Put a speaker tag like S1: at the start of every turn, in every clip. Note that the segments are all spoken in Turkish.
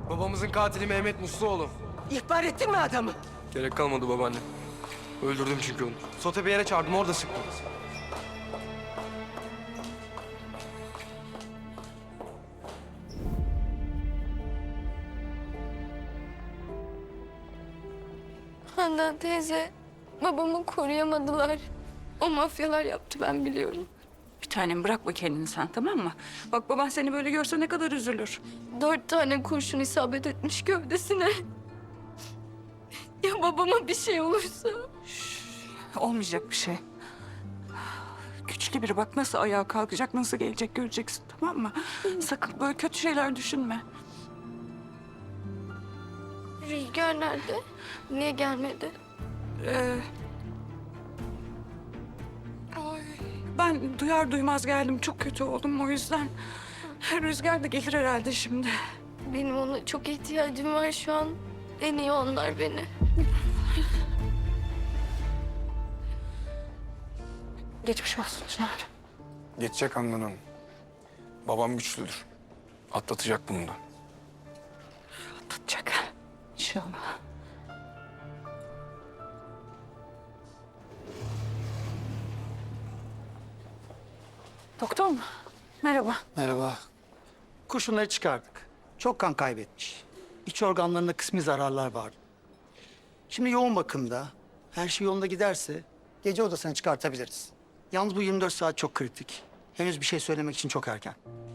S1: Babamızın katili Mehmet Musluoğlu.
S2: İhbar ettin mi adamı?
S1: Gerek kalmadı babaanne. Öldürdüm çünkü onu. Sote bir yere çağırdım, orada sıktım.
S3: Handan teyze, babamı koruyamadılar. O mafyalar yaptı, ben biliyorum.
S4: Bir tanem bırakma kendini sen, tamam mı? Bak baban seni böyle görse ne kadar üzülür.
S3: 4 tane kurşun isabet etmiş gövdesine. Ya babama bir şey olursa?
S4: Olmayacak bir şey. Güçlü biri, bak nasıl ayağa kalkacak, nasıl gelecek göreceksin, tamam mı? Sakın böyle kötü şeyler düşünme.
S3: Rüzgar nerede? Niye gelmedi?
S4: Ay, ben duyar duymaz geldim, çok kötü oldum o yüzden. Rüzgar da gelir herhalde şimdi.
S3: Benim ona çok ihtiyacım var şu an. En iyi onlar beni.
S4: Geçmiş olsun Çınar.
S1: Geçecek Handan Hanım. Babam güçlüdür. Atlatacak bunu da.
S4: Tutacak. İnşallah. Doktor mu? Merhaba.
S5: Merhaba. Kurşunları çıkardık. Çok kan kaybetmiş. İç organlarında kısmi zararlar var. Şimdi yoğun bakımda. Her şey yolunda giderse gece odasına çıkartabiliriz. Yalnız bu 24 saat çok kritik. Henüz bir şey söylemek için çok erken.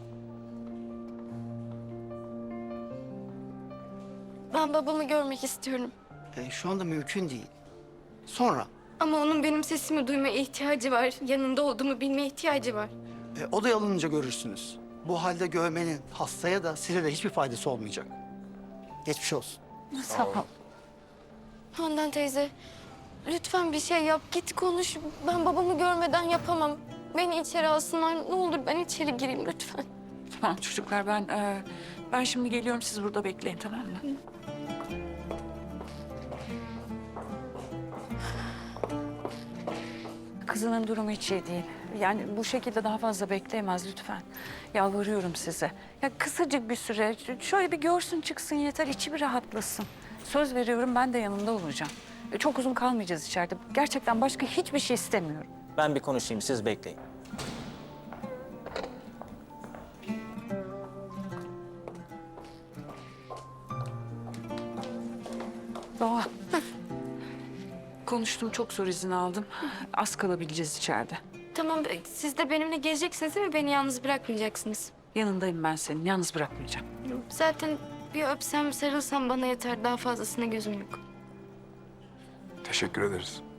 S3: Ben babamı görmek istiyorum.
S5: Şu anda mümkün değil. Sonra
S3: Ama onun benim sesimi duymaya ihtiyacı var. Yanında olduğumu bilmeye ihtiyacı var.
S5: odaya alınınca görürsünüz. Bu halde görmenin hastaya da size de hiçbir faydası olmayacak. Geçmiş olsun.
S4: Sağ ol.
S3: Handan teyze, lütfen bir şey yap. Git konuş. Ben babamı görmeden yapamam. Beni içeri alsınlar. Ne olur ben içeri gireyim lütfen.
S4: Tamam çocuklar, ben şimdi geliyorum, siz burada bekleyin, tamam mı? Kızının durumu hiç iyi değil. Yani bu şekilde daha fazla bekleyemez lütfen. Yalvarıyorum size. Ya kısacık bir süre şöyle bir görsün çıksın yeter, içi bir rahatlasın. Söz veriyorum, ben de yanında olacağım. Çok uzun kalmayacağız içeride. Gerçekten başka hiçbir şey istemiyorum.
S6: Ben bir konuşayım, siz bekleyin.
S4: Doğa. Konuştum, çok zor izin aldım. Az kalabileceğiz içeride.
S3: Tamam, siz de benimle geleceksiniz değil mi? Beni yalnız bırakmayacaksınız.
S4: Yanındayım ben senin, yalnız bırakmayacağım.
S3: Zaten bir öpsem, sarılsam bana yeter. Daha fazlasına gözüm yok.
S1: Teşekkür ederiz.